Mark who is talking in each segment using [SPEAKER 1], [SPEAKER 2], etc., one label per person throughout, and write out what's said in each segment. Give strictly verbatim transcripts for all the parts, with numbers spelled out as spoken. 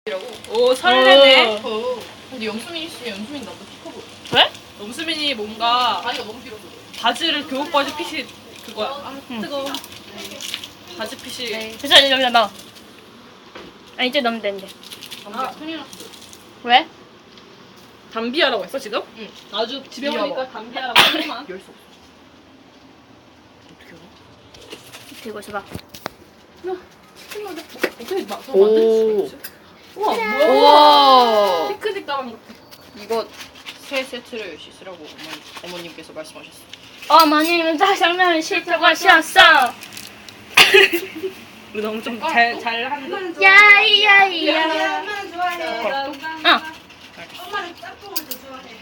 [SPEAKER 1] 오 설레네.
[SPEAKER 2] 어. 근데 영수민이 씨, 영수민 나보다 키 커 보여.
[SPEAKER 1] 왜? 염수민이 뭔가
[SPEAKER 2] 다리가 너무 길어서.
[SPEAKER 1] 바지를 교복 바지 핏이 그거야. 아
[SPEAKER 2] 응.
[SPEAKER 1] 뜨거워. 바지 핏이.
[SPEAKER 3] 됐어, 이제 여기다 넣어. 아, 이제 넣으면 되는데.
[SPEAKER 2] 아, 큰일 났어.
[SPEAKER 3] 왜?
[SPEAKER 1] 담비아라고 했어 지금?
[SPEAKER 2] 응.
[SPEAKER 1] 아주 집에
[SPEAKER 2] 이리
[SPEAKER 1] 오니까
[SPEAKER 2] 와봐.
[SPEAKER 1] 담비아라고 하지만.
[SPEAKER 2] 열 수 없어. 어떻게 알아?
[SPEAKER 3] 들고 있어봐.
[SPEAKER 1] 어떻게 막
[SPEAKER 2] 오.
[SPEAKER 1] 만들 수 있지? 우와 뭐야?
[SPEAKER 2] 우와.
[SPEAKER 1] 피크닉 가방 같아.
[SPEAKER 2] 이거 세 세트를 씻으라고 어머니, 어머님께서 말씀하셨어.
[SPEAKER 3] 어머님은 짜장면을 싫다고 하셨어.
[SPEAKER 1] 우리 너무 좀 잘 잘 하는.
[SPEAKER 3] 야이야이야.
[SPEAKER 4] 엄마는 좋아해.
[SPEAKER 3] 어.
[SPEAKER 4] 엄마는 짬뽕을 더 좋아해.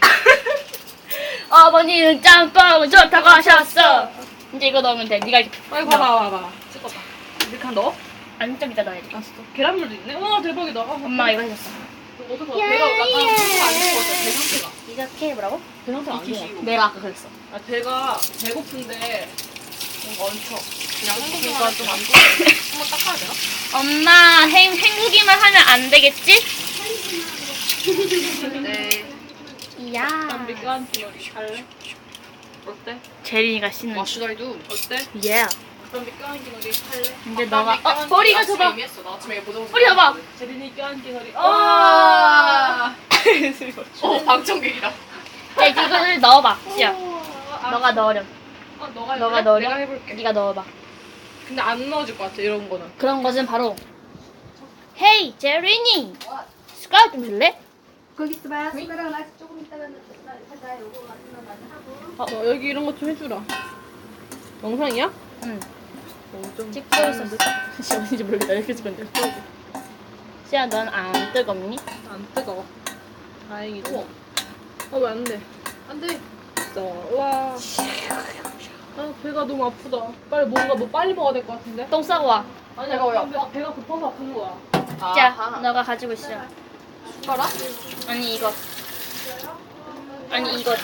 [SPEAKER 3] 어머니는 짬뽕 좋다고 하셨어. 이제 이거 넣으면 돼. 네가 이렇게.
[SPEAKER 1] 아이 봐봐 봐봐. 찍어봐. 이렇게 한 넣어?
[SPEAKER 3] 안 좀 이따 넣어야지.
[SPEAKER 1] 알았어. 계란물도 있네. 와 대박이다. 아,
[SPEAKER 3] 엄마가 이거 해줬어.
[SPEAKER 1] 어떡해. 배가 약간 배가 안 좋아서 배 상태가.
[SPEAKER 3] 이렇게 해보라고?
[SPEAKER 1] 배 상태가 안 좋아.
[SPEAKER 3] 내가 아까 그랬어.
[SPEAKER 1] 아 배가 배고픈데 뭔가 얹혀.
[SPEAKER 2] 그냥
[SPEAKER 1] 그러니까
[SPEAKER 2] 한국만
[SPEAKER 1] 좀
[SPEAKER 2] 좀
[SPEAKER 1] 안
[SPEAKER 2] 안
[SPEAKER 1] 좋아.
[SPEAKER 2] 한번 닦아야 되나?
[SPEAKER 3] 엄마 행, 헹구기만 하면 안 되겠지?
[SPEAKER 2] 네.
[SPEAKER 3] 이야.
[SPEAKER 1] 난 미끄한 기놀이 할래? 어때?
[SPEAKER 3] 제린이가 씻는.
[SPEAKER 2] What should I do?
[SPEAKER 1] 어때?
[SPEAKER 3] 예.
[SPEAKER 1] 그럼 미끄한 기놀이 할래?
[SPEAKER 3] 이제 너가 어 머리가
[SPEAKER 2] 아침에
[SPEAKER 3] 좁아.
[SPEAKER 2] 이미 했어. 나 아침에 이거 보자마자
[SPEAKER 3] 머리 봐봐.
[SPEAKER 1] 제린이 껴안 기놀이.
[SPEAKER 2] 와. 어, 방청객이다.
[SPEAKER 3] 자 이제 이거를 넣어봐. 시야. 너가 넣으렴.
[SPEAKER 1] 어, 너가
[SPEAKER 3] 너가
[SPEAKER 1] 해볼래?
[SPEAKER 3] 넣으렴.
[SPEAKER 1] 내가 해볼게.
[SPEAKER 3] 네가 넣어봐.
[SPEAKER 1] 근데 안 넣어줄 것 같아 이런 거는.
[SPEAKER 3] 그런 것은 바로 헤이 제린이 숟가락 좀 줄래?
[SPEAKER 4] 거기 있어봐. 숟가락 나 조금 있다가 하자. 요거 같은 거 많이 하고.
[SPEAKER 1] 어, 여기 이런 것 좀 해주라. 영상이야?
[SPEAKER 3] 응.
[SPEAKER 1] 어, 좀
[SPEAKER 3] 찍고 있었어. 시야 어딘지 모르겠다. 이렇게 찍었는데 시야 넌 안 뜨겁니?
[SPEAKER 1] 안 뜨거워. 다행이지. 어, 왜 안 돼? 안 돼. 진짜. 우와. 아, 배가 너무 아프다. 빨리 뭔가 뭐 빨리 먹어야 될 것 같은데?
[SPEAKER 3] 똥 싸고 와.
[SPEAKER 1] 아니,
[SPEAKER 2] 배가 왜
[SPEAKER 1] 배가, 배가 고파서 아픈 거야.
[SPEAKER 3] 자,
[SPEAKER 2] 아하.
[SPEAKER 3] 너가 가지고 있어.
[SPEAKER 2] 숟가락?
[SPEAKER 3] 아니 이거. 아니 이거.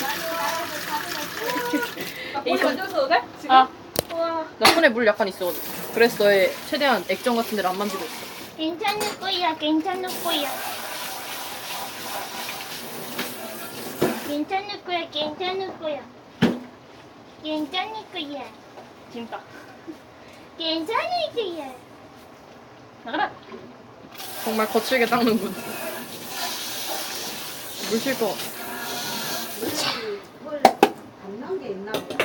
[SPEAKER 1] 나 머리 만져도 돼? 지금?
[SPEAKER 3] 아,
[SPEAKER 1] 우와.
[SPEAKER 2] 나 손에 물 약간 있어. 그래서 너의 최대한 액정 같은 데를 안 만지고 있어.
[SPEAKER 3] 괜찮을 거야. 괜찮을 거야. 괜찮을 거야. 괜찮을 거야. 괜찮을 거야. 재밌다. 괜찮을 거야. 나가라.
[SPEAKER 2] 정말 거칠게 닦는군. 물 쉴 거.
[SPEAKER 4] 안 나온 게 있나 보다.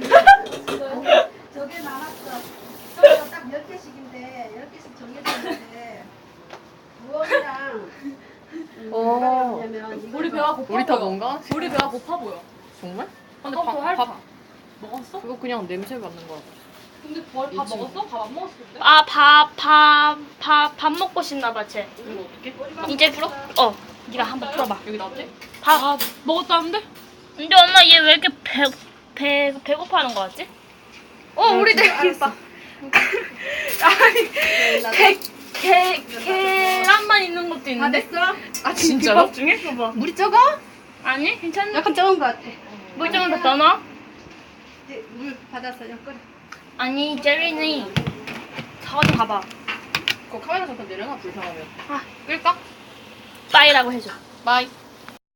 [SPEAKER 4] 저게 나왔어. 저거 딱 열 개씩인데 열 개씩 정해져 있는데 무엇이랑
[SPEAKER 2] 어.
[SPEAKER 1] 우리 배가 고파
[SPEAKER 2] 우리 다
[SPEAKER 1] 보여.
[SPEAKER 2] 뭔가?
[SPEAKER 1] 우리 배가 고파 보여.
[SPEAKER 2] 정말? 근데
[SPEAKER 1] 아까부터
[SPEAKER 2] 밥,
[SPEAKER 1] 핥아.
[SPEAKER 2] 밥
[SPEAKER 1] 먹었어?
[SPEAKER 2] 그거 그냥 냄새 맡는 거야.
[SPEAKER 1] 근데 밥, 밥
[SPEAKER 2] 있지.
[SPEAKER 1] 먹었어? 밥 안 먹었을 때?
[SPEAKER 3] 아, 밥, 밥, 밥, 밥 먹고 싶나 봐, 쟤.
[SPEAKER 2] 이거 어떻게?
[SPEAKER 3] 이제 풀어? 어, 네가 한번 풀어봐.
[SPEAKER 2] 여기 나왔지?
[SPEAKER 3] 밥.
[SPEAKER 1] 아, 먹었다는데?
[SPEAKER 3] 근데 엄마 얘 왜 이렇게 배, 배, 배고파하는 거 같지? 어, 우리 들 봐. 아니, 게, 게, 계란만 있는 것도
[SPEAKER 4] 다
[SPEAKER 3] 있는데?
[SPEAKER 4] 됐어?
[SPEAKER 2] 아 진짜로?
[SPEAKER 3] 비법 중에? 봐봐.
[SPEAKER 4] 물이 적어?
[SPEAKER 3] 아니, 괜찮네.
[SPEAKER 4] 약간 적은 것 같아.
[SPEAKER 3] 물 좀 더 넣어?
[SPEAKER 4] 이제 물 받아서 좀 끓여.
[SPEAKER 3] 아니, 제린이. 사과 좀 가봐.
[SPEAKER 2] 그거 카메라 잠깐 내려놔 불편하면.
[SPEAKER 3] 아, 끌까? 빠이라고 해줘.
[SPEAKER 2] 바이.